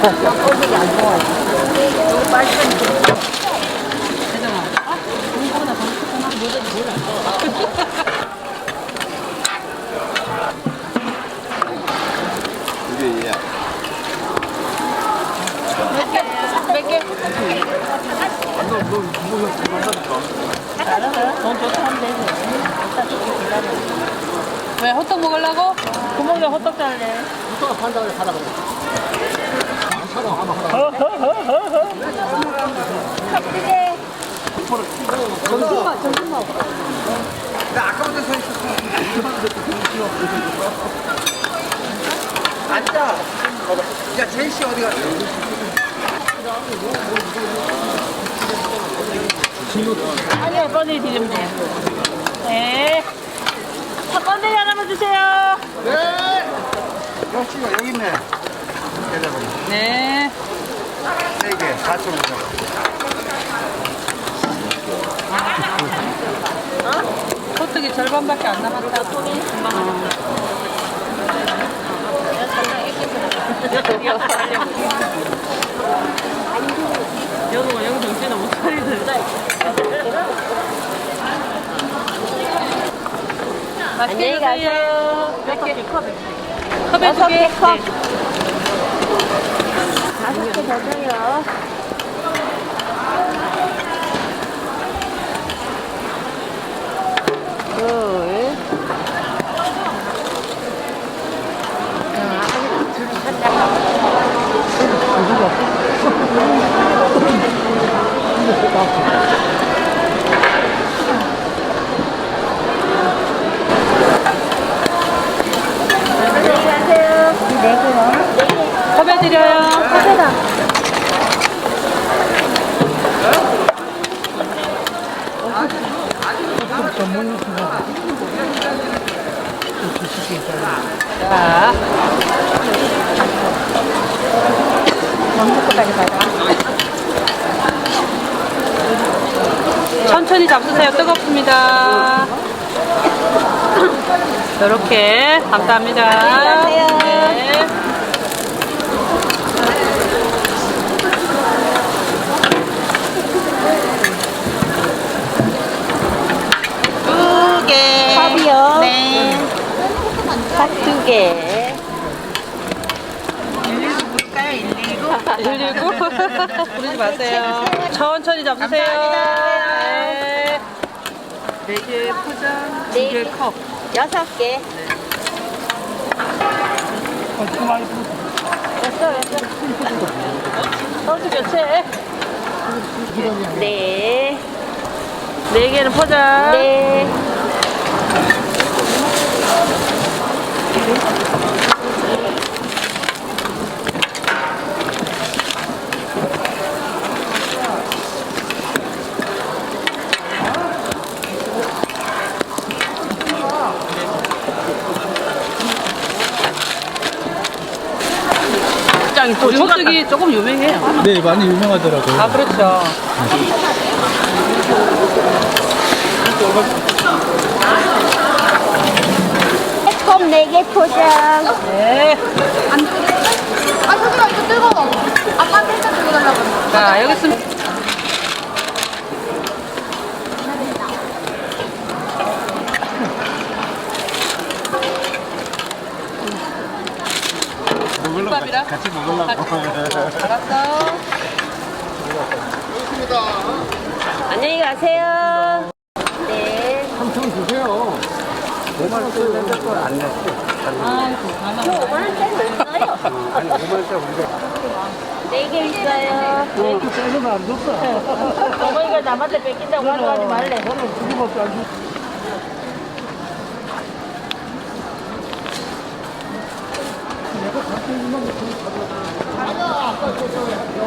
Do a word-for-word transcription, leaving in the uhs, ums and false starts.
꼴보기 안 좋아해. 너무 맛있으니. 혜정아. 아, 공부보다 더 좋구나. 뭐든지 몰라. 이게 얘야. 몇 개? 몇 개? 너, 너, 이거 그만 사줄까? 알아서 돈 좋다 하면 되지. 일단 조금 기다려. 왜 호떡 먹으려고? 구멍에 호떡 달래. 이거가 판다고 해, 사다 그래. 안 사다, 하나, 하나. 컵찌개. 정신만, 정신만. 나 아까부터 서 있었어. 앉아. 야, 제이씨 어디 갔어? 아니요, 번일 드리면 돼요. 네. 한 번일 하나만 주세요. 네. 역시가 여기 있네. 대답은. 네. 세 개, 사천 원. 호떡이 절반밖에 안 남았다. 금방 여동아 여기 정신을 못 차리는. 맛있게 안녕히 가세요. 몇 개? 컵에 컵에 두 개. 컵. 다섯 개 더 줘요. 둘. 안녕히 가세요. 네 개요. 네 개. 컵에 드려요. 컵에다. 자, 원부까지 가자. 천천히 잡수세요. 뜨겁습니다. 이렇게 감사합니다. 안녕히 가세요. 네. 두 개. 컵이요. 네. 컵 두 개. 일일구 부르지 마세요. 천천히 잡수세요. 네. 네개 포장, 네 두개 개. 컵. 여섯 개. 됐어, 됐어. 소주 교체. 네. 네 개는 포장. 네. 짱이 또 호떡이 조금 유명해요. 네, 많이 유명하더라고요. 아, 그렇죠. 컵 네 개 포장. 네. 아, 소주가 이거 뜨거워. 아빠한테 일단 주고 달라고. 자, 여기 있습니다. 먹으려고 국밥이랑? 같이 먹으려고. 알았어. 안녕히 가세요. 네. 삼천 주세요. 오만 원짜리 낸걸안 냈어. 아이고, 가만. 저 오만 원짜리 있어요. 아니, 오만 원짜리 우리가. 네 개 있어요. 네. 빼서는 안 줬어. 어머니가 남한테 뺏긴다고 하지 말래. 저는 두 개밖에 안 줬어. 내가 갖고 있는 건